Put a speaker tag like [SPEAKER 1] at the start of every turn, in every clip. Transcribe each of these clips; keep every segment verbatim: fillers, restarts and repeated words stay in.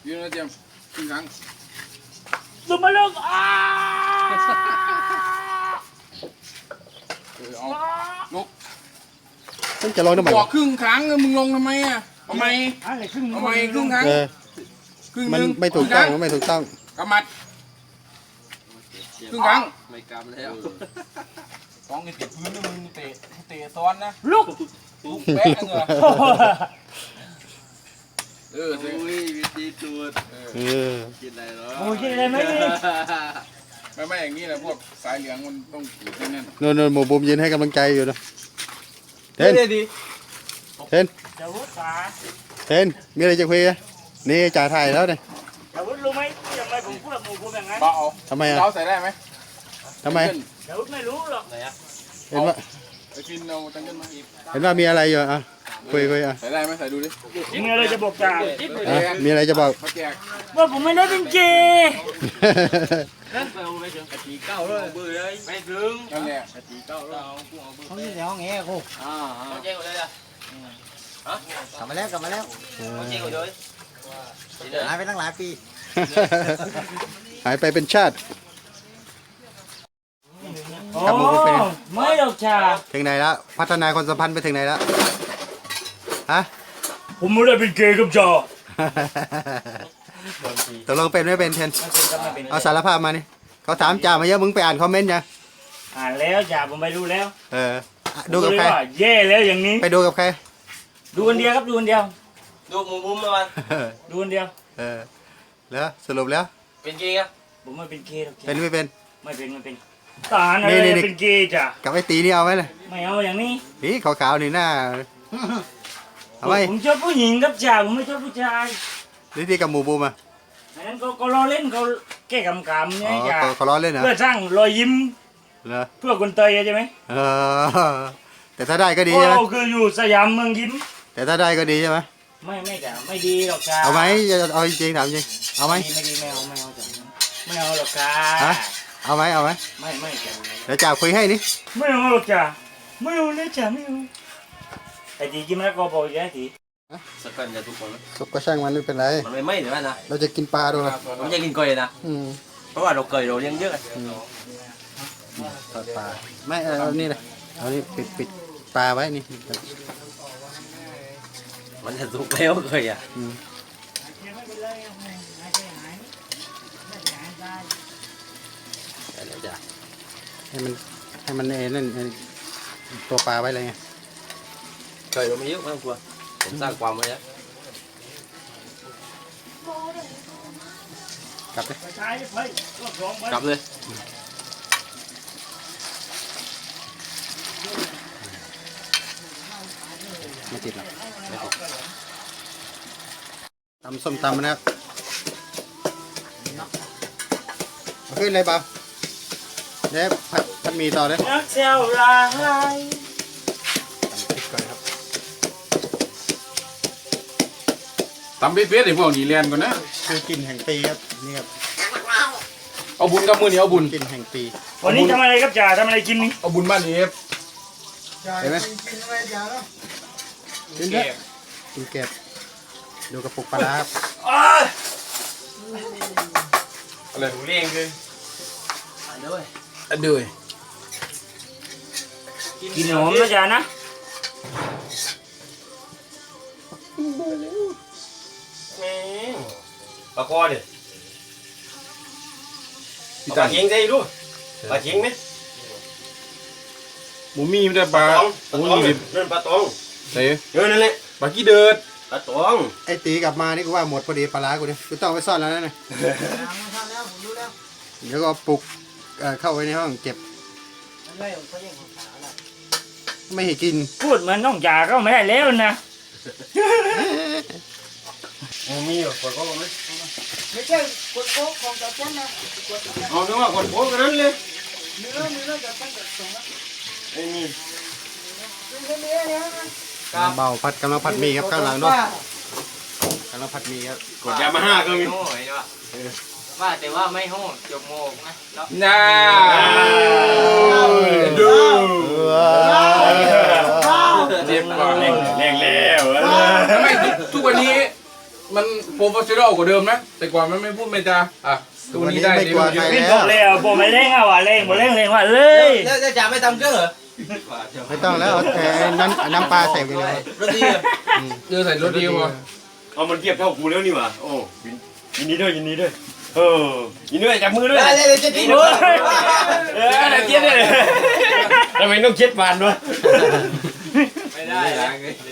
[SPEAKER 1] ยืนแล้วเตรียมครึ่งครั้ง
[SPEAKER 2] ลงมาลงอ้า
[SPEAKER 1] เออเอาลุก
[SPEAKER 3] ต้องจะลองทำไม
[SPEAKER 1] บอกครึ่งครั้งมึงลงทำไมอ่ะทำไม
[SPEAKER 2] อะไรครึ่ง
[SPEAKER 1] ทำไมครึ่งครั้ง
[SPEAKER 3] เออ
[SPEAKER 1] ครึ่ง
[SPEAKER 3] มัน
[SPEAKER 1] นึง
[SPEAKER 3] ไม่ถูกต้องมันไม่ถูกต้อง
[SPEAKER 1] กำมัดครึ่งครั้ง
[SPEAKER 4] ไม่กำแล้ว
[SPEAKER 1] สองนี่ติดพื้นนะมึงเตะเตะซ้อนนะ
[SPEAKER 2] ลุก
[SPEAKER 1] ลุกแป๊ะเหรอเออ
[SPEAKER 4] โอ้ยวิธีจูด
[SPEAKER 3] เออ
[SPEAKER 4] กินอะไรเนาะ
[SPEAKER 2] โอ้ยกินอะไรไหม
[SPEAKER 1] ไม่ไม่อย่างนี้แหละพวกสายเหลืองมันต้องถือแน่น
[SPEAKER 3] โน่นโน่นหมูบุมยืนให้กำลังใจอยู่นะเทน
[SPEAKER 4] ดี
[SPEAKER 3] เทน
[SPEAKER 2] จะวุ้นขา
[SPEAKER 3] เทนมีอะไรจะคุยกันนี่จ่าถ่ายแล้วเนี่ย
[SPEAKER 2] จะวุ้นรู้ไหมทำไมผมพูดกับหมูผมอย่างนั้น
[SPEAKER 1] ๆเบาเอา
[SPEAKER 3] ทำไมอ่ะ
[SPEAKER 1] เราใส่ได้ไหม
[SPEAKER 3] ทำไม
[SPEAKER 2] จะวุ้นไม่รู้หรอก
[SPEAKER 4] ไหนอะ
[SPEAKER 3] เห็นว่า
[SPEAKER 1] ไอฟินเอาตังเกิลมา
[SPEAKER 3] เห็นว่ามีอะไรอยู่อ่ะคุยคุยอ่ะ
[SPEAKER 1] ใส่ได้ไหมใส่ดูดิ
[SPEAKER 2] มีอะไรจะบอกจ่า
[SPEAKER 3] อ่ะมีอะไรจะบอก
[SPEAKER 1] เขาแจก
[SPEAKER 2] ว่าผมไม่ได้เป็นเกย์
[SPEAKER 4] นั่นไปเอาไปถึงกะทิเก้าเลยเบื่อเลยไม่ถึง
[SPEAKER 1] นั่นแหละ
[SPEAKER 4] กะทิเก้าเลยเอากูเอาเบื่อ
[SPEAKER 5] เขาอยู่ในห้องแอร์กู
[SPEAKER 4] อ่าเอาเจ๊งเลยอ่ะ
[SPEAKER 5] กลับมาแล้วกลับมาแล้ว
[SPEAKER 4] เอาเจ๊งเลย
[SPEAKER 5] หายไปตั้งหลายปี
[SPEAKER 3] หายไปเป็นชาติ
[SPEAKER 2] โอ้
[SPEAKER 3] ครับผมเป็น
[SPEAKER 2] ไม่หรอกจ่า
[SPEAKER 3] ถึงไหนแล้วพัฒนาความสัมพันธ์ไปถึงไหนแล้วฮะ
[SPEAKER 2] ผมไม่ได้เป็นเกย์กับจ่า
[SPEAKER 3] ตกลงเป็นไม่เป็นเทน
[SPEAKER 2] ไม่เป็นก็ไม่เป็น
[SPEAKER 3] เอาสารภาพมานี่เขาถามจ่ามาเยอะมึงไปอ่านคอมเมนต์ยัง
[SPEAKER 2] อ่านแล้วจ่าผมไปดูแล้ว
[SPEAKER 3] เอออ่ะดูกับใคร
[SPEAKER 2] เลยว่าแย่แล้วอย่างนี้
[SPEAKER 3] ไปดูกับใคร
[SPEAKER 2] ดูคนเดียวครับดูคนเดียว
[SPEAKER 4] ดูมุมมุมมา
[SPEAKER 2] ดูคนเดียว
[SPEAKER 3] เออแล้วสรุปแล้ว
[SPEAKER 4] เป็นจริงอ่ะ
[SPEAKER 2] ผมไม่เป็นเกย์หรอกจ่า
[SPEAKER 3] เป็นไม่เป็น
[SPEAKER 2] ไม่เป็นไม่เป็นทหารอะไร
[SPEAKER 3] นี่นี่
[SPEAKER 2] เป็นเกย์จ่า
[SPEAKER 3] กับไอ้ตีนี่เอาไหมเลย
[SPEAKER 2] ไม่เอาอย่างนี้
[SPEAKER 3] นี่ขาวๆนี่หน้าเอาไหม
[SPEAKER 2] ผมชอบผู้หญิงครับจ่าผมไม่ชอบผู้ชาย
[SPEAKER 3] นี่ที่กับหมูบูมอ่ะ
[SPEAKER 2] อันนั้นเขาเขาล้อเล่นเขาแก้กำกำ
[SPEAKER 3] อ๋
[SPEAKER 2] เนี่ย
[SPEAKER 3] อ
[SPEAKER 2] จ่า
[SPEAKER 3] เขาเขาล้อเล่นเหรอ
[SPEAKER 2] เพื่อสร้างรอยยิ้ม
[SPEAKER 3] เหรอ
[SPEAKER 2] เพื่อคนเตยใช่ไหม
[SPEAKER 3] เออแต่ถ้าได้ก็ดี
[SPEAKER 2] โอ้
[SPEAKER 3] ใช่ไหม
[SPEAKER 2] คืออยู่สยามเมืองยิ้ม
[SPEAKER 3] แต่ถ้าได้ก็ดีใช่ไหม
[SPEAKER 2] ไม่ไม่จ่าไม่ดีหรอกจ่า
[SPEAKER 3] เอาไหมจะเอาจริงๆถามจริงเอาไหม
[SPEAKER 2] ไม่ดีไม่เอาไม่เอาจ่าไม่เอาหรอกจ่า
[SPEAKER 3] ฮะเอาไหมเอาไหม
[SPEAKER 2] ไม่ไม่จ่า
[SPEAKER 3] เดี๋ยวจ่าคุยให้นี่
[SPEAKER 2] ไม่เอาหรอกจ่าไม่เอาเลยจ่าไม่เอาไอ้ทีกินมะละกอบอกอีกแล้วที
[SPEAKER 4] สักกันจะทุกคน
[SPEAKER 3] สุกก็ช่างมันไม่เป็นไร
[SPEAKER 4] มันไม่ไหม้เดี๋ยวนะ
[SPEAKER 3] เราจะกินปลาดูนะ
[SPEAKER 4] มันจะกินเกยนะ
[SPEAKER 3] อืม
[SPEAKER 4] เพราะว่าเราเกยเราเลี้ยงเยอะ
[SPEAKER 3] ทอดปลาไม่เอาเอานี่เลยเอานี่ปิดปิดปลาไว้นี่
[SPEAKER 4] มันจะสุกแล้วเกยอ่ะ
[SPEAKER 3] อืมให้มันให้มันเอ็นนั่นเอ็นตัวปลาไว้เลยไง
[SPEAKER 4] เกยเราไม่เยอะไม่ต้องกลัวผมสร้างความไว้แล้ว
[SPEAKER 3] กลับเลย
[SPEAKER 2] ใช่ไปรอบสองไป
[SPEAKER 4] กลับเลย
[SPEAKER 3] ไม่ติดหรอกไม่ติดตำส้มตำนะครับเอาขึ้นเลยเปล่าเดี๋ยวผัดผัดหมี่ต่อเลย
[SPEAKER 2] นักเซลลาย
[SPEAKER 3] ตำพริกก่อนครับ
[SPEAKER 1] ตำเป๊ะๆไอ้พวกนี้เรียนก่อนนะ
[SPEAKER 3] คือกลิ่นแห่งปีครับนี่ครับ
[SPEAKER 1] เอาบุญกับมือนี้เอาบุญ
[SPEAKER 3] กลิ่นแห่งปี
[SPEAKER 2] วันนี้ทำอะไรครับจ่าทำอะไรกินนี่
[SPEAKER 1] เอาบุญบ้านเอฟ
[SPEAKER 3] เห็นไหมกินเถอะกินเก็บดูกระปุกปลาร้าครับ
[SPEAKER 1] อะไร
[SPEAKER 4] ถูเลี้ยงคือด้วย
[SPEAKER 1] อันเดือย
[SPEAKER 2] กินหอมนะจ่านะ
[SPEAKER 4] ปลาคอดิปลาเค็งใช่ดูปลาเค็งไหม
[SPEAKER 1] หมูมีไม่ได้ปลา
[SPEAKER 4] ปลา
[SPEAKER 1] หมู
[SPEAKER 4] ตอง
[SPEAKER 1] มี
[SPEAKER 4] นั่นปลาตอง
[SPEAKER 1] เตะ
[SPEAKER 4] เออนั่นแหละ
[SPEAKER 1] ปลาขี้เดือด
[SPEAKER 4] ปลาตอง
[SPEAKER 3] ไอ้ตีกลับมานี่กูว่าหมดพอดีปลาร้ากูเนี่ยกูต้องเอาไปซ่อนแล้วนะเนี่ยเดี๋ยวก็เอาปลุกเอ่อเข้าไว้ในห้องเก็บไม่ให้กิน
[SPEAKER 2] พูดเหมือนน้องจ่าก็ไม่ได้แล้วนะ
[SPEAKER 4] มีอยู่คนโก้ไหม
[SPEAKER 5] ไม่ใช่กดโป๊กของกับฉันนะ
[SPEAKER 4] เอาเนื้อว่าคนโก้กันนั้นเลย
[SPEAKER 5] เนื้อเนื้อกับฉันกับสอง
[SPEAKER 4] ไอ้นี่
[SPEAKER 5] เป็นเนื้อเนื้อนะ
[SPEAKER 3] เบาผัดกำลังผัดหมีครับข้างหลังด้วยกำลังผัดหมีครับ
[SPEAKER 4] กดยามาฮ่าก็มี
[SPEAKER 6] ว่าแต่ว่าไม่โหดจบโมกนะแล้ว
[SPEAKER 1] น่าดู เจ็บก่อน
[SPEAKER 2] แรงแรงแล้ว
[SPEAKER 1] ทำไมทุกวันนี้มันโปรเฟชชั่นอลกว่าเดิมนะแต่ก่อนมันไม่พูดไม่จาอ่ะตัวนี้ได้
[SPEAKER 3] ไม่กลัวใคร
[SPEAKER 2] พี่
[SPEAKER 3] แล้
[SPEAKER 2] บอ
[SPEAKER 3] ว
[SPEAKER 2] กเลยอ่ะผมไม่เล่นอ่ะว่ะเล่นผมเล่นเล่นว่ะเลย
[SPEAKER 4] แล้วจะจ่าไม่ทำเครื่องเหรอ
[SPEAKER 3] ไม่ต้องแล้วเอาแต่น้ำน้ำปลาใส่กันเลย
[SPEAKER 4] รถดีอ่ะ
[SPEAKER 1] เดือใส่รถดีวะ
[SPEAKER 2] เอามันเทียบเท่ากูแล้วนี่ว่ะโอ้ยินดีด้วยยินดีด้วยเออยินดีด้วยจับมือด้วย
[SPEAKER 4] ได้เลยจะดีด้
[SPEAKER 2] เฮ้
[SPEAKER 4] วย
[SPEAKER 2] ยเออได้เทียบเลยทำไมต้องเช็ดฟันวะ
[SPEAKER 6] ไม่ได้นะ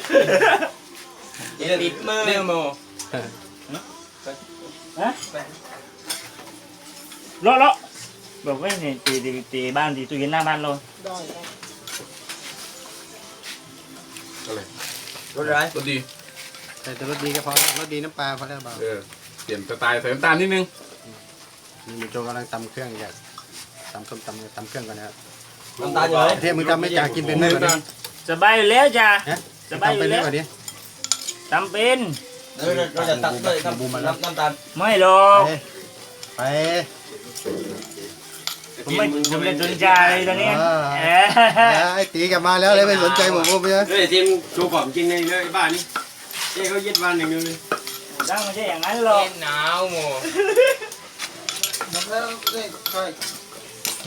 [SPEAKER 6] ติดมือโม
[SPEAKER 2] เลาะเลาะบอกว่าเนี่ยตีตีตีบ้านตีตู้เย็นหน้าบ้านเรา
[SPEAKER 1] อะไร
[SPEAKER 4] รถร้าย
[SPEAKER 1] รถดี
[SPEAKER 3] ใส่แต่รสดีก็พอรสดีน้ำปลาพอแล้วเปล่า
[SPEAKER 1] เออเปลี่ยนสไตล์ใส่น้ำตาลนิดนึง
[SPEAKER 3] นี่มีโจกำลังตำเครื่องอยากตำส้มตำตำเครื่องกันนะครับ
[SPEAKER 4] น้ำตาลอยู่ไหน
[SPEAKER 3] เทียมึงตำไม่จ่ากินเป็นไหมวันนี้
[SPEAKER 2] สบายอยู่แล้วจ้ะ
[SPEAKER 3] ฮะ
[SPEAKER 2] สบายอ
[SPEAKER 3] ตำเป็
[SPEAKER 2] ยู่
[SPEAKER 3] นไหม
[SPEAKER 2] แล้ว
[SPEAKER 3] วันนี้
[SPEAKER 2] ทำเป็น
[SPEAKER 4] เราเราจะตัดด้วยน้ำน้ำน้ำตาล
[SPEAKER 2] ไม่หรอก
[SPEAKER 3] ไปไป
[SPEAKER 2] ผมไม่ผมไม่สนใจตอนนี้เออ
[SPEAKER 3] ไอ้ตีกลับมาแล้วเลยไม่สนใจผมผมเนี่ย
[SPEAKER 7] เฮ้ยทีมโชว์ของจริงในเลยบ้านนี้เจ๊เขายึดบ้านอย่างเดียวเลย
[SPEAKER 2] ตั้งไม่ใช่อย่างนั้นหรอก
[SPEAKER 6] เล่นหนาวโม
[SPEAKER 5] น้ำแล้วนี่ใช่
[SPEAKER 2] ฮึ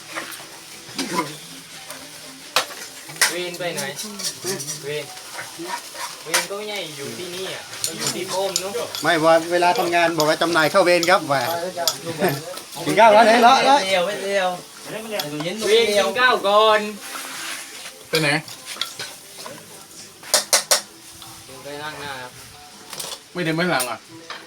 [SPEAKER 6] เวนไปไหนเวนเวนก็ไม่ใช่อยู่ที่นี่อ่ะก็อยู่ที่โป้มนู้น
[SPEAKER 3] ไม่ว่าเวลาทำงานบอกว่าจำหน่ายเข้าเวรครับว่า
[SPEAKER 5] ไปแล้วจ้ะ
[SPEAKER 3] กินข้าวแล้วเนี่ยเลาะเลาะ
[SPEAKER 4] เดียวไม่เดียว
[SPEAKER 2] เล่นไม่เล่น
[SPEAKER 4] ตู้เย็นตู้
[SPEAKER 6] เวน
[SPEAKER 4] เดี
[SPEAKER 6] กิ
[SPEAKER 4] ยวน
[SPEAKER 6] ข้าวก่อน
[SPEAKER 1] ไปไหน
[SPEAKER 6] ไปนั่งหน้าครับ
[SPEAKER 1] ไม่เดินไม่หลังอ่ะ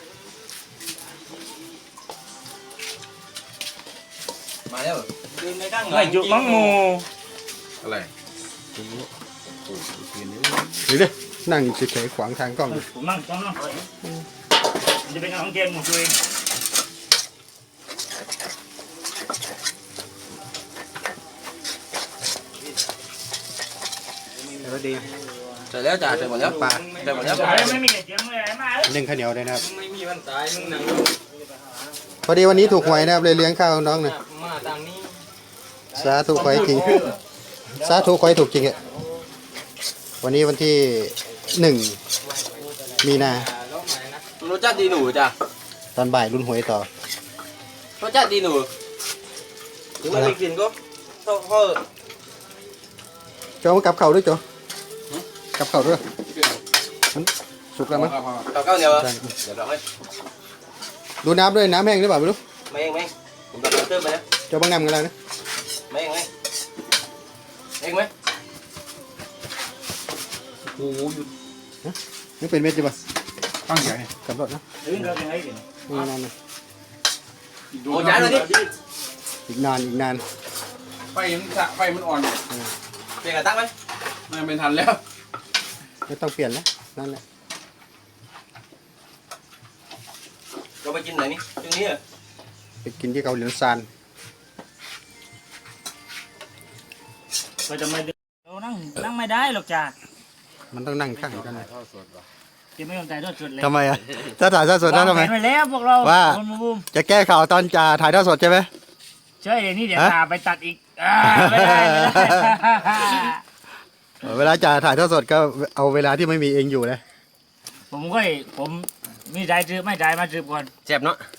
[SPEAKER 4] มาแล้ว
[SPEAKER 6] เดินไปข้างหลัง
[SPEAKER 2] ไม่จุมังมู
[SPEAKER 1] อะไร
[SPEAKER 3] หรือเด้นั่งเฉยๆขวางทางกล้อง
[SPEAKER 2] ผมนั่งต้องนั่งมันจะเป็นของเกมหมดเลย
[SPEAKER 3] รสดี
[SPEAKER 4] เสร็จแล้วจ่าเสร็จหมดแล้ว
[SPEAKER 3] ปลา
[SPEAKER 4] เสร็จหมดแล้ว
[SPEAKER 2] ไม่มีเสียงเลยมา
[SPEAKER 3] นึ่งข้าวเหนียวเลยนะครับ
[SPEAKER 6] ไม่มีวันตายมึงหนัง
[SPEAKER 3] พอดีวันนี้ถูกหวยนะครับเลยเลี้ยงข้าวน้องหน่อย
[SPEAKER 6] มาทางนี้
[SPEAKER 3] สาธุขอให้จริงสาธุขอให้ถูกจริงอ่ะวันนี้วันที่หนึ่งมีนา
[SPEAKER 6] แล้วไหนนะ
[SPEAKER 4] รสชาติดีหนูจ้ะ
[SPEAKER 3] ตอนบ่ายรุ่นหวยต่อ
[SPEAKER 4] รสชาติดีหนูถึงไม่มีกลิ่นก็เขาเขา
[SPEAKER 3] โจมากับเข่าด้วยโจกับเข่าด้วยมันสุกแล้วมั้ง
[SPEAKER 4] กับข้าวเหนียวเหรอเดี๋ยวเราให้
[SPEAKER 3] ดูน้ำด้วยน้ำแห้งหรือเปล่าไม่รู้
[SPEAKER 4] ไม่เองไม่ผมตัดเติมไปแล้ว
[SPEAKER 3] โจบังงำกันแล้วนะ
[SPEAKER 4] ไม่เองไม่เองไหมโอ้ย
[SPEAKER 3] นี่เป็นเม็ดจีบะ
[SPEAKER 1] ตั้งใหญ่เนี่ย
[SPEAKER 3] กำรดนะ
[SPEAKER 2] เรื่องเราเป็นไงกัน
[SPEAKER 3] นี่นานนะ
[SPEAKER 4] โอ้ย้ายเลยดิ
[SPEAKER 3] อีกนานอีกนาน
[SPEAKER 1] ไฟมันสะไฟมันอ่อน
[SPEAKER 4] เปลี่ยนกระตั้งไหม
[SPEAKER 1] ไม่เป็นทันแล้ว
[SPEAKER 3] ไม่ต้องเปลี่ยนแล้วนั่นแหละ
[SPEAKER 4] เราไปกินไหนนี่ตรงนี้อ่ะ
[SPEAKER 3] ไปกินที่เกาหลีซาน
[SPEAKER 2] ก็จะไม่เรานั่งนั่งไม่ได้หรอกจ้ะ
[SPEAKER 3] มันต้องนั่งข้างกัน
[SPEAKER 2] จะไม่ยอมใจทอดสดเลย
[SPEAKER 3] ทำไมอ่ะถ้าถ่ายทอดสดได้ทำไม
[SPEAKER 2] วางแผนไว้แล้วพวกเรา
[SPEAKER 3] ว่า
[SPEAKER 2] คนบูม
[SPEAKER 3] จะแก้ข่าวตอนจะถ่ายทอดสดใช่ไหม
[SPEAKER 2] ใช่เดี๋ยวนี้เดี๋ยว
[SPEAKER 3] ฮะ
[SPEAKER 2] ตาไปตัดอีกอ่าไม่ได้ไม่ได้
[SPEAKER 3] เวลาจะถ่ายทอดสดก็เอาเวลาที่ไม่มีเองอยู่นะ
[SPEAKER 2] ผมก็ผมมีใจจืบไม่ใจมาจืบก่อน
[SPEAKER 4] เจ็บเนาะ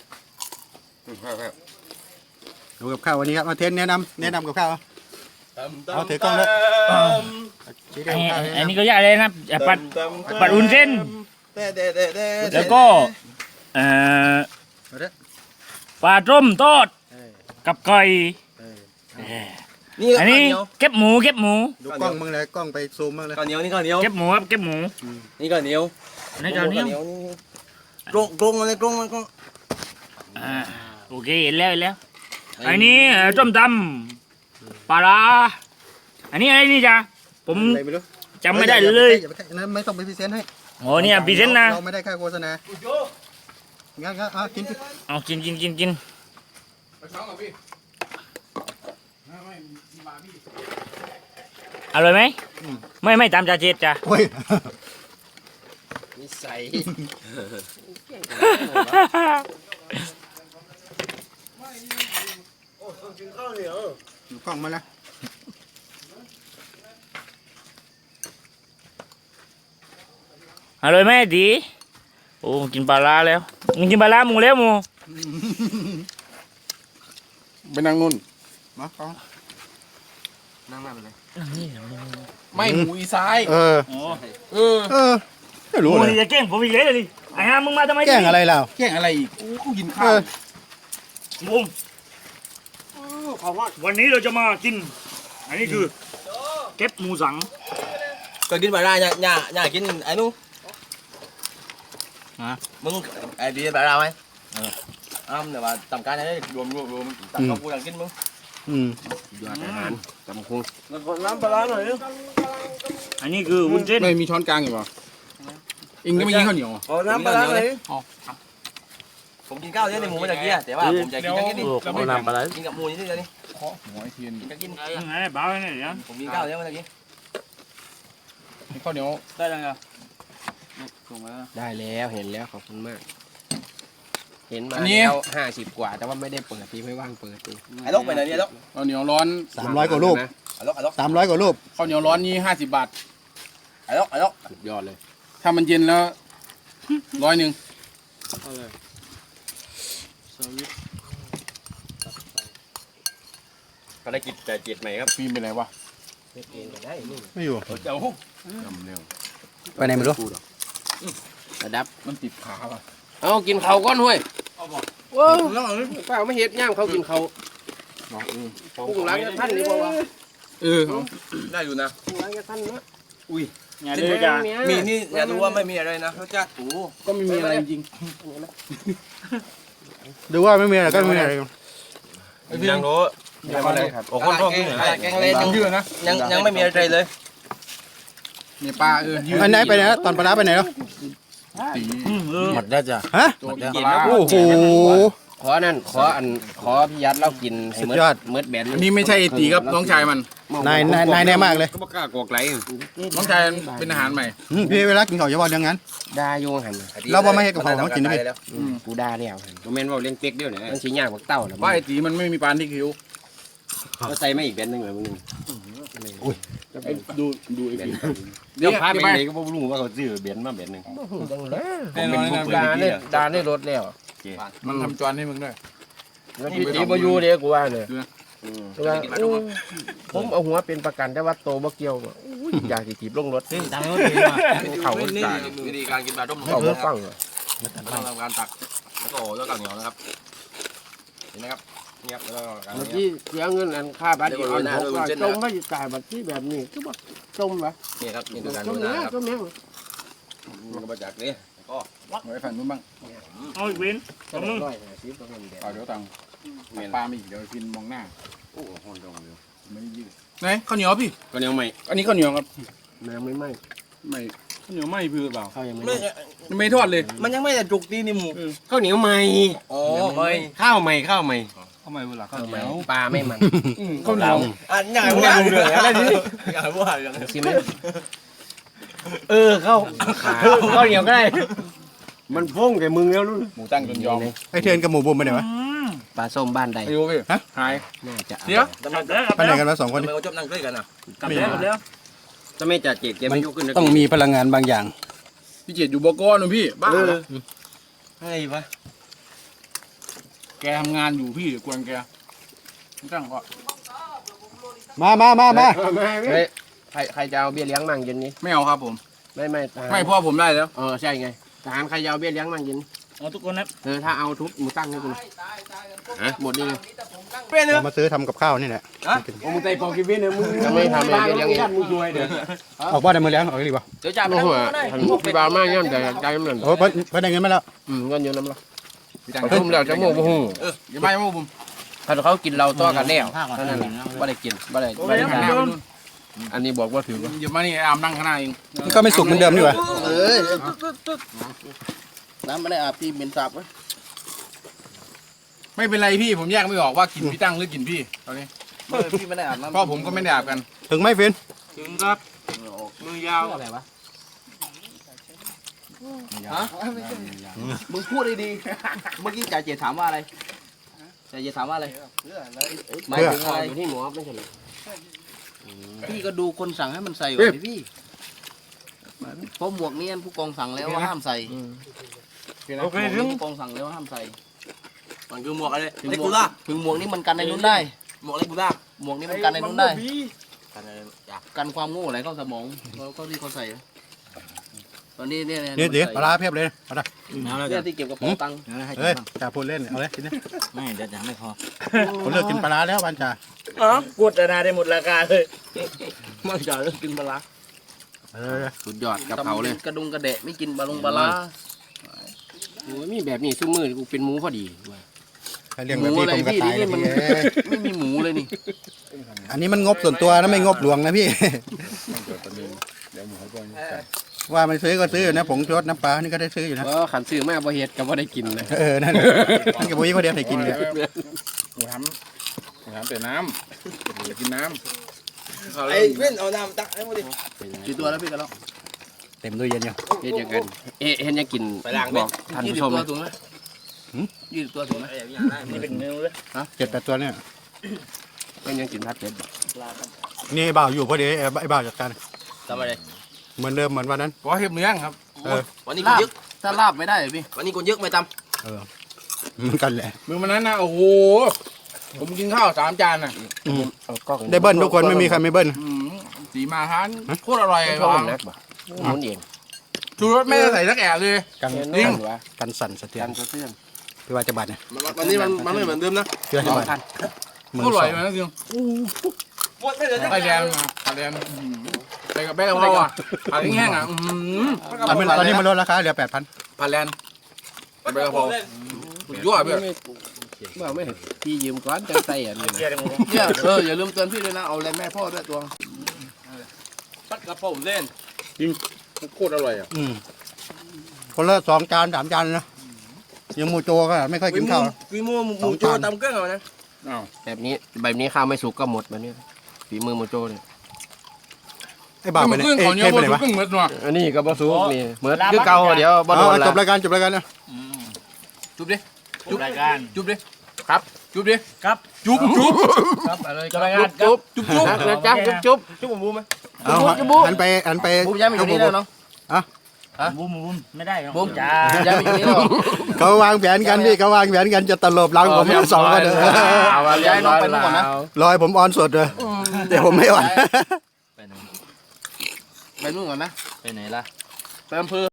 [SPEAKER 3] ดูกับข้าววันนี้ครับมาเทนแนะนำแนะนำกับข้าวเอาถือกล้องเลยชี้
[SPEAKER 2] ไอ้
[SPEAKER 3] เดียวข้าว
[SPEAKER 2] ไอ้นี่ก็ยากเลยนะอ่ะปัดปัดอุ่นเส้น
[SPEAKER 4] เด้เด้เด้เด้
[SPEAKER 2] แล้วก็เอ่อปลาต้มทอดกับไก่เอ่อ
[SPEAKER 4] นี่
[SPEAKER 2] อันนี้เก็บหมูเก็บหมู
[SPEAKER 3] ดูกล้องมึงเลยกล้องไปซูมมึงเลย
[SPEAKER 4] ข้าวเหนียวนี่ข้าวเหนียว
[SPEAKER 2] เก็บหมูครับเก็บหมู
[SPEAKER 4] นี่ข้าวเหนียว
[SPEAKER 2] ในจานนี้
[SPEAKER 4] กรงกรงอะไรกรงมันกรง
[SPEAKER 2] อ่าโอเคเห็นแล้วเห็นแล้วอันนี้เอ่อต้มตำปลาร้าอันนี้อะไรนี่จ้ะผม
[SPEAKER 3] อะไรไม่รู้
[SPEAKER 2] จำไม่ได้เลย
[SPEAKER 3] อาไปใกล้ไม่ต้องไปพรีเซนต์ให้
[SPEAKER 2] โอ้เนี่ยพรีเซนต์นะ
[SPEAKER 3] เราไม่ได้ค่าโฆษณางั้นงั้นเอากินสิ
[SPEAKER 2] เอากินกินกินกิน
[SPEAKER 1] ไปช้อนกับพี่
[SPEAKER 2] อร่อยไหมไม่ไม่ตามจ่าเจ็ดจ้ะ
[SPEAKER 3] โอ้ย
[SPEAKER 4] นิสัย
[SPEAKER 3] ดูกล้องมาแล้ว
[SPEAKER 2] อร่อยไหมดีโอ้กินปลาร้าแล้วมึงกินปลาร้าหมูแล้วหมู
[SPEAKER 1] ไปนั่งนู่น
[SPEAKER 3] มาเอา
[SPEAKER 6] นั่งมาไปเลย
[SPEAKER 2] นี่
[SPEAKER 1] ไม่หมูอีซ้าย
[SPEAKER 3] เออ
[SPEAKER 2] โอ้
[SPEAKER 1] เออ
[SPEAKER 3] เออไม่
[SPEAKER 2] ห
[SPEAKER 3] รู้
[SPEAKER 2] มู
[SPEAKER 3] เลย
[SPEAKER 2] นี่จะแกล้งผมอีกแล้วดิไอ้ห่ามึงมาทำไม
[SPEAKER 3] แกล้งอะไรเรา
[SPEAKER 1] แกล้งอะไรอีกโอ้เขากินข้า
[SPEAKER 3] เอ
[SPEAKER 1] ว
[SPEAKER 3] อ
[SPEAKER 2] มุมวันนี้เราจะมากิน อันนี้คือเก็บหมูสัง
[SPEAKER 4] เคยกินปลาร้าเนี่ยเนี่ยเนี่ยกินไอ้นู้มึงไอ้ดีปลาร้าไหมอ้าวเดี๋ยวว่าทำการอะไรรวมรวมรวมตัดข้าวกูอยากกินมึง
[SPEAKER 3] อืม
[SPEAKER 4] ยอดอาหารจำคง
[SPEAKER 5] น้ำปลาร้าหน่อย
[SPEAKER 2] อันนี้คือวุ้นเส้น
[SPEAKER 1] ไม่มีช้อนกลางอยู่ป่ะเองก็ไม่กินข้าวเหนียว
[SPEAKER 5] ขอน้ำปลาร้าหน่อย
[SPEAKER 4] ผมกินข้าวเยอะในหมูเมื่อกี้แต่ว่าผมจะกินจะกินนี่
[SPEAKER 2] เอาน้ำปลาไหล
[SPEAKER 4] กินกับหมูนี่เดียวนี่
[SPEAKER 1] เคาะหัวไอ้เทียน
[SPEAKER 4] กินจะกิน
[SPEAKER 2] ยังไงบ้าไว้เนี่ยเดี๋ยว
[SPEAKER 4] ผมกินข้าวเยอะเมื่อกี้
[SPEAKER 1] ให้ข้าวเหนียว
[SPEAKER 2] ได้ยังไง
[SPEAKER 6] ได้แล้วเห็นแล้วขอบคุณมาก เห็นมาแล้วห้าสิบกว่าแต่ว่าไม่ได้เปิดทีไม่ว่างเปิดที
[SPEAKER 4] ไอ้ลูกไปไหนเนี่ยลูก
[SPEAKER 1] ข้าวเหนียวร้อน
[SPEAKER 3] สามร้อยกว่ารูป
[SPEAKER 4] ไอ้ลูกไอ้ลูก
[SPEAKER 3] สามร้อยกว่ารูป
[SPEAKER 1] ข้าวเหนียวร้อนนี่ห้าสิบบาท
[SPEAKER 4] ไอ้ลูกไอ้ลูก
[SPEAKER 6] สุดยอดเลย
[SPEAKER 1] ถ้ามันเย็นแล้วร้อยหนึ่ง
[SPEAKER 6] ภารกิจแต่จิตใหม่ครับ
[SPEAKER 1] ฟิล์มไปไหนวะ
[SPEAKER 6] เองก็ได้นี่
[SPEAKER 3] ไม่อยู่
[SPEAKER 1] เจ้าจำเร็ว
[SPEAKER 3] ไปไหนไม่รู้
[SPEAKER 6] ระดับ
[SPEAKER 1] มันติดขาป่ะ
[SPEAKER 6] เอากินเขาก้อนห้วยว้าวเปล่าไม่เห็ดย่ามเขากินเขาพุ่งหลังกับท่านนี่บอกว่า
[SPEAKER 1] เออ
[SPEAKER 4] ได้อยู่นะ
[SPEAKER 6] พุ่งหลังกับท่านนะ
[SPEAKER 2] อย่าดื้อจ้า
[SPEAKER 4] มีนี่อย่าดูว่าไม่มีอะไรนะรสชาติโอ้
[SPEAKER 1] ก็ไม่มีอะไรจริง
[SPEAKER 3] ดูว่าไม่มีอะไรก็ไม่มีอะไร
[SPEAKER 1] ไอ้ฟิล์ม
[SPEAKER 4] ยังไม่ได้โอ้คนท้องนี่แกงเล่น
[SPEAKER 1] ยืดนะ
[SPEAKER 4] ยังยังไม่มีอะไรเลย
[SPEAKER 1] เนี่ยปลาเออยืด
[SPEAKER 3] อันไหนไปไหนนะตอนปลาร้าไปไหนแล้ว
[SPEAKER 1] ตี
[SPEAKER 2] เออ
[SPEAKER 6] หมดแล้วจ้ะ
[SPEAKER 3] ฮะ
[SPEAKER 1] ตัวปลา
[SPEAKER 3] โอ้โห
[SPEAKER 6] ขอนั่นขออันขอพี่ยัดเล่ากินให้
[SPEAKER 3] สุด
[SPEAKER 6] เมืด
[SPEAKER 3] ยอด
[SPEAKER 6] เมืดแบน
[SPEAKER 1] อันนี้ไม่ใช่ไอ้ตีครับน้องชายมัน
[SPEAKER 3] นายนายนายแน่มากเลย
[SPEAKER 7] ก็บ่กล้ากอกไหล
[SPEAKER 1] น้องชายเป็นอาหารใหม่
[SPEAKER 3] อืมพี่เวลากินข้าวอย่าบอกอย่างนั้น
[SPEAKER 6] ด่าโยงหัน
[SPEAKER 3] เราบ่ไม่ให้กับเขาเขากินได้ไหม
[SPEAKER 6] กูด่าแล้วหัน
[SPEAKER 7] บ่แม่นว่าเลี้ยงเป็กเดียวเนี่ย
[SPEAKER 6] มันชี้ยากกว่าเต้าแล้ว
[SPEAKER 1] ว่าไอ้ตีมันไม่มีปลาที่คิ้ว
[SPEAKER 7] ก็ใส่มาอีกแบนหนึงเลยมึง
[SPEAKER 1] ดูดูไอ้ฟิล์ม
[SPEAKER 7] เดี๋ยวพาไปไหนก็บ่รู้ว่าเขาซื้อแบนมาแบนหนึง
[SPEAKER 1] แน่นอนนะ
[SPEAKER 6] ด่าเนี่ยด่าเนี่ยรถแล้ว
[SPEAKER 1] มันทำจานให้มึงด้วย
[SPEAKER 6] แล้วพี่ตีบอยู่เด้กูว่าเลย
[SPEAKER 7] อืม
[SPEAKER 6] ว่าอู้ผมเอาหัวเป็นประกันแต่ว่าโตบ่เกี่ยวอุ้ยอยากสิถีบลงรถ
[SPEAKER 2] ตังค์เขาดีว่ะ
[SPEAKER 6] เขา
[SPEAKER 4] นี่วิธีการกินปลาต้ม
[SPEAKER 6] เขาบ่ฟังอะ
[SPEAKER 4] ต้องทำการตักแล้วก็แล้วก็เหนียวนะครับเห็นไหมครับนี่ครับแล้วก็การ
[SPEAKER 6] เมื่อกี้เสียเงินอันค่าบัตรอีกอันหกร้อยจมไม่จ่ายบัตรที่แบบนี้คือบ่จมวะ
[SPEAKER 4] นี่ครับนี่คือการ
[SPEAKER 6] จ
[SPEAKER 4] ดู
[SPEAKER 6] ม
[SPEAKER 4] นะ
[SPEAKER 6] เนี้ย
[SPEAKER 4] ครับ
[SPEAKER 6] จมเนี้ย
[SPEAKER 4] มันก็มาจากนี่ก็
[SPEAKER 1] ไว้ฝั่งนู้นบ้าง
[SPEAKER 2] เอาอีกเว้น
[SPEAKER 6] จมร้อยห้าสิบประมาณเดียว
[SPEAKER 1] เอาเดี๋ยวตังค์ปลาไม่อีกเดี๋ยวฟิล์มมองหน้า
[SPEAKER 7] โอ้โหดองเลย
[SPEAKER 1] ไม่ได้ยืดไหนข้าวเหนียวพี่
[SPEAKER 7] ก็ยังใหม่
[SPEAKER 1] อันนี้ข้าวเหนียวครับ
[SPEAKER 6] น้ำไม่ไหม้
[SPEAKER 1] ไม่ข้าวเหนียวไม่พี่หรือเปล่า
[SPEAKER 6] ข้าวยังไม่
[SPEAKER 4] ไม่
[SPEAKER 6] ไหม้
[SPEAKER 1] ยังไม่ทอดเลย
[SPEAKER 4] มันยังไม่ได้จุกตีนี่หมู
[SPEAKER 7] ข้าวเหนียวใหม่
[SPEAKER 4] อ๋อไม่
[SPEAKER 7] ข้าวใหม่ข้าวใหม่
[SPEAKER 1] ทำไมเวลาข้าว
[SPEAKER 6] ข้าว
[SPEAKER 1] เห
[SPEAKER 6] ไหม
[SPEAKER 1] นียว
[SPEAKER 6] ปลาไม่มัน
[SPEAKER 1] ข้าวเหนียว
[SPEAKER 4] อ่ะยังไงวะอะไรนี่ยังไงวะยังไง
[SPEAKER 6] สิไหม
[SPEAKER 7] เออข้าวข้าวเหนียวก็ได้มันพุ่งแกมึงแล้วนู่น
[SPEAKER 1] หมูตั้งจนยอม
[SPEAKER 3] ไอเทียนกับหมูบุมไปไหนวะ
[SPEAKER 2] อืม
[SPEAKER 6] ปลาส้มบ้านใด
[SPEAKER 1] ไอ้โยพี่ฮะหาย
[SPEAKER 6] น่าจะ
[SPEAKER 1] เดี๋ยว
[SPEAKER 2] กลับแล้วกลับ
[SPEAKER 3] ไปไหน
[SPEAKER 2] แล้ว
[SPEAKER 3] กันวะสองคน
[SPEAKER 4] ทำ
[SPEAKER 3] นี้
[SPEAKER 4] ไมเขาชอบนั่งด้วยกันอ่ะ
[SPEAKER 2] กลับแล้วกลับแล้ว
[SPEAKER 7] ถ้าไม่จัดเจ็ดแกไม่ยกขึ้นนะ
[SPEAKER 3] ต้องมีพลังงานบางอย่าง
[SPEAKER 1] พี่เจดอยู่บกนู่นพี่บ้าเหรอ
[SPEAKER 4] ให้ปะ
[SPEAKER 1] แกทำงานอยู่พี่เดี๋ยวกวนแกไม่ตั้งก็
[SPEAKER 3] มามามามา
[SPEAKER 6] เฮ้ยใครใครจะเอาเบี้ยเลี้ยงมั่งเย็นนี้
[SPEAKER 1] ไม่เอาครับผม
[SPEAKER 6] ไม่ไม่ทหาร
[SPEAKER 1] ไม่เพราะผมได้แล้ว
[SPEAKER 6] เออใช่ไงทหารใครจะเอาเบี้ยเลี้ยงมั่งเย็น
[SPEAKER 2] เอาทุกคนนะ
[SPEAKER 6] เออถ้าเอาทุบหมูตั้งให้กูหมดนี่เลย
[SPEAKER 4] เป็นเนอะ
[SPEAKER 3] เรามาซื้อทำกับข้าวนี่แหละ
[SPEAKER 7] โอ้มึงใจปองกินวินเนี่ยมึง
[SPEAKER 6] จะไม่ทำอะไรเบี้ยเลี้ยงเอง
[SPEAKER 7] มึงรวยเด้อ
[SPEAKER 3] ออกบ้านได้มือแล้วออกดีป่ะ
[SPEAKER 4] เดี๋ยวจ่ายไป
[SPEAKER 6] โอ้
[SPEAKER 4] แล้ว
[SPEAKER 6] โห
[SPEAKER 4] ได้
[SPEAKER 6] พี่บาวมากย่อมใจใจมันเหมือน
[SPEAKER 3] โอ้ยเพิ่นเพิ่นได้เงินมาแล้ว
[SPEAKER 6] อืมเงินเยอะน้ำละ
[SPEAKER 1] พี่ตั้ง
[SPEAKER 6] ทุ่มแล้วจะโม่โมโห
[SPEAKER 1] เอออย่าไปมาผม
[SPEAKER 6] ถ้าเขากินเราตัวกันแล้วเท่านั้นแหละไม่ได้กินไม่ได้ไม่ได้
[SPEAKER 1] หันหน้าไปนู่น
[SPEAKER 6] อันนี้บอกว่าถือว่า
[SPEAKER 1] อย่ามานี่อามนั่งข้างหน้าเอง
[SPEAKER 3] มันก็ไม่สุกเหมือนเดิมนี่หว่า
[SPEAKER 5] เออน้ำไม่ได้อาบพี่เหม็นสาบวะ
[SPEAKER 1] ไม่เป็นไรพี่ผมแยกไม่ออกว่ากินพี่ตั้งหรือกินพี่ตอนนี้
[SPEAKER 5] เออพี่ไม่ได้อาบน้ำ
[SPEAKER 1] เพราะผมก็ไม่ได้อาบกัน
[SPEAKER 3] ถึงไหมฟิน
[SPEAKER 2] ถึงครับมือยาว
[SPEAKER 6] อะไรวะ
[SPEAKER 5] ฮะมึงพูดดีๆเมื่อกี้จ่าเจถามว่าอะไรจ่าเจถามว่าอะไรหมายถึงอะไร
[SPEAKER 6] อยู่ที่หมอไม่ใช่เหรอ
[SPEAKER 5] พี่ก็ดูคนสั่งให้มันใส่ไว้ดิพี่เพราะหมวกนี้ผู้กองสั่งแล้วว่าห้ามใส่
[SPEAKER 2] โอเคถึง
[SPEAKER 5] กองสั่งแล้วห้ามใส่
[SPEAKER 4] มันคือหมวกอะไร
[SPEAKER 5] ถึง
[SPEAKER 4] เล็ก
[SPEAKER 5] หม
[SPEAKER 4] กู
[SPEAKER 5] วก
[SPEAKER 4] ล่า
[SPEAKER 5] ถึงหมวกนี่มันกันในนู้นได้
[SPEAKER 4] หมวกเล็กกูล่า
[SPEAKER 5] หมวกนี่มันกันในนู้นได้
[SPEAKER 4] กันอะไรอยาก
[SPEAKER 5] กันความโง่อะไรเข้าสมองเขาเขาที่เขาใส่ตอนนี้เนี่ย
[SPEAKER 3] เนี่ยเดี๋ยวปลาร้าเพียบเลยปลาร้า
[SPEAKER 5] เนี่ยที่เก็บกระเป๋าตังค์
[SPEAKER 3] เฮ้ยจ่าพูดเล่นเอาเลยกินนะ
[SPEAKER 2] ไม่เดี๋ยวจะไม่พอ
[SPEAKER 3] ผมเลิกกินปลาร้าแล้วบ้านจ่า
[SPEAKER 2] อ๋อกดนาได้หมดราคาเลย
[SPEAKER 5] ไม่จ่ายเลิกกินปลาร้า
[SPEAKER 3] เออ
[SPEAKER 6] สุดยอดกะเพราเลย
[SPEAKER 5] กระดุงกระเดะไม่กินปลาลงปลาร้า
[SPEAKER 6] โอ้ยมีแบบนี้ซุ้มมือกูเป็นหมูพอดีเว้ย
[SPEAKER 3] ใครเลี้ยงแบบนี้ผมก็ตายเลยพี่
[SPEAKER 5] ไม่มีหมูเลยนี่
[SPEAKER 3] อันนี้มันงบส่วนตัวนะไม่งบหลวงนะพี่
[SPEAKER 1] ต้องเกิดประเด็นเดี๋ยวหมูให้ก่อนใส่
[SPEAKER 3] ว่ามันซื้อก็ซื้ออยู่นะผงชูรสน้ำปลานี่ก็ได้ซื้ออยู่นะ
[SPEAKER 6] เพราะขันซื้อมาบ่เฮ็ดก็บ่ได้กินเลย
[SPEAKER 3] เออนั่นนั่นกับบุ้ยเขาเดียวให้กินเนี่ย
[SPEAKER 1] หมูทำหมูทำแต่น้ำหมูกินน้
[SPEAKER 4] ไอ้เว้นเอาน้ำตักให้หมดดิ
[SPEAKER 5] กี่ตัวแล้วพี่กันแล้ว
[SPEAKER 3] เต็มตู้เย็นอยู่
[SPEAKER 6] เฮ็ดยังไงเอ๊ะเฮ็ดยังกินบอกท่าน
[SPEAKER 5] ยี่
[SPEAKER 6] ผู้
[SPEAKER 5] สิ
[SPEAKER 6] ช
[SPEAKER 5] บ
[SPEAKER 6] ม
[SPEAKER 5] ตัว
[SPEAKER 6] เลย
[SPEAKER 5] ถูกไหมยี่สิบตัวถูกไหม
[SPEAKER 2] นี่เป็นเนื้อเลย
[SPEAKER 3] เจ็ดแปดตัวเนี่ย
[SPEAKER 6] เฮ็ดยังกินพัดเป็ด
[SPEAKER 3] นี่ไอ้บ่าวอยู่พอดีไอ้ไอ้บ่าวจัดการ
[SPEAKER 4] ทำอะไร
[SPEAKER 3] เหมือนเดิมเหมือนวันนั้น
[SPEAKER 1] ำเพราะเห็บเนื้อครับ
[SPEAKER 3] เออ
[SPEAKER 4] วันนี้กู
[SPEAKER 5] ลาบ
[SPEAKER 4] ยึก
[SPEAKER 5] ถ้าลาบไม่ได้เหรอพี่
[SPEAKER 4] วันนี้กูยึกไม่ต
[SPEAKER 3] เออเหมือนกันแหละ
[SPEAKER 1] มือมันนั้นนะโอ้โหผมกินข้าวสามจานน่ะ
[SPEAKER 3] อืม
[SPEAKER 6] เอากล้อง
[SPEAKER 3] ได้เบิ้ลทุกคนไม่มีใครไม่เบิ้ล
[SPEAKER 1] อืมสีมาทานโคตรอร่อย
[SPEAKER 6] เอา
[SPEAKER 1] เลย
[SPEAKER 6] กล้อง
[SPEAKER 1] ว่ะ
[SPEAKER 6] นักบ่หมุนเอง
[SPEAKER 1] ชูรสไม่ได้ใส่สักแอะเลย
[SPEAKER 3] กัน
[SPEAKER 6] จริงวะ
[SPEAKER 3] กันสั่นสะเทือ
[SPEAKER 6] กัน นสะเทือน
[SPEAKER 3] พี่ว่าจะบาดเนี่ย
[SPEAKER 4] ำวันนี้มันมันไม่เหมือนเดิมนะ
[SPEAKER 3] พี่ว่า
[SPEAKER 6] ส
[SPEAKER 3] จะ
[SPEAKER 6] อง
[SPEAKER 3] บาด
[SPEAKER 6] พัน
[SPEAKER 3] หมื่น
[SPEAKER 1] โคตรอ
[SPEAKER 3] ส
[SPEAKER 1] ร่
[SPEAKER 3] อ
[SPEAKER 1] อย
[SPEAKER 3] ง
[SPEAKER 1] เลยนะจริง
[SPEAKER 4] หมดไม่เหลือ
[SPEAKER 1] ไข่แดงมาไข่แดงอื้อหือใส่กับแป้งกะเพราอ่ะผัดแห้งๆอ่ะอื้อหือ
[SPEAKER 3] ตอนนี้ตอนนี้มันลดราคาเหลือแปดพัน
[SPEAKER 1] ผัดแลนด์ใส่แป้งกะเพราสุดยอดเพื่อน
[SPEAKER 6] เมื่อไม่เห็นพี่ยืมก้อนจังใส่อันนี้
[SPEAKER 2] เกียร์ได้หมด
[SPEAKER 5] เนี่ยเอออย่าลืมเตือนพี่ด้วยนะเอาอะไรแม่พ่อด้วยตัว
[SPEAKER 4] ปัดกระเพราเล่น
[SPEAKER 1] โคตรอร่อยอ่ะ
[SPEAKER 3] อืมคนละสองจานสามจานนะยังหมูโจก็ไม่ค่อยกินข้าว
[SPEAKER 4] กีมูหมูโจตำเครื่องเอานะ
[SPEAKER 1] อ้าว
[SPEAKER 6] แบบนี้แบบนี้ข้าวไม่สุกก็หมดแบบนี้ฝีมือโมโจเนี่ย
[SPEAKER 3] ไอ้บ่าวไป
[SPEAKER 1] มัน
[SPEAKER 3] ไหน
[SPEAKER 1] เครื่อง
[SPEAKER 3] เอ้
[SPEAKER 1] เขา
[SPEAKER 3] ย
[SPEAKER 1] เนี้ย
[SPEAKER 3] เข้ม
[SPEAKER 1] บ
[SPEAKER 3] ไป
[SPEAKER 1] น
[SPEAKER 3] ไหนวะ
[SPEAKER 1] เครื่องเหมือนว่ะ
[SPEAKER 6] อันนี้ก็บ่สุกนี่เหมือนคือเก่าเดี๋ยวบ่โด
[SPEAKER 3] เอา
[SPEAKER 6] น
[SPEAKER 3] เอา
[SPEAKER 6] แล้
[SPEAKER 3] จ
[SPEAKER 6] ว
[SPEAKER 3] บรายการจบรายการนะ
[SPEAKER 1] จุ๊บดิ
[SPEAKER 2] จุบรายการ
[SPEAKER 1] จุ๊บดิ
[SPEAKER 6] ครับ
[SPEAKER 1] จุ๊บดิ
[SPEAKER 2] ครับ
[SPEAKER 1] จุ๊บจุ๊บ
[SPEAKER 5] ครับอะไร
[SPEAKER 2] จุบรายการจุบ
[SPEAKER 1] จุ๊บจุ๊บ
[SPEAKER 6] นะจ๊ะจุ๊บจุ๊บ
[SPEAKER 4] จุ๊บผมบูมไหม
[SPEAKER 3] เอาหันไปหันไป
[SPEAKER 5] บุ้มย้ายมาอยู่นี่แล้วเนาะ
[SPEAKER 2] บุ้มบุ้มไม่ได้เนาะ
[SPEAKER 5] บุ้ม
[SPEAKER 2] จ้า
[SPEAKER 5] ย้ายมาอยู่นี่แล้ว
[SPEAKER 3] เขาวางแผนกันพี่เขาวางแผนกันจะตลบหลังผมสองคนเลย
[SPEAKER 6] เอา
[SPEAKER 5] ย้ายน้องไปนู่นก่อนนะ
[SPEAKER 3] รอยผมออนสดเลยเดี๋ยวผมไม่ออน
[SPEAKER 5] ไปนู่นก่อนนะ
[SPEAKER 2] ไปไหนล่ะ
[SPEAKER 5] ไปอำเภอ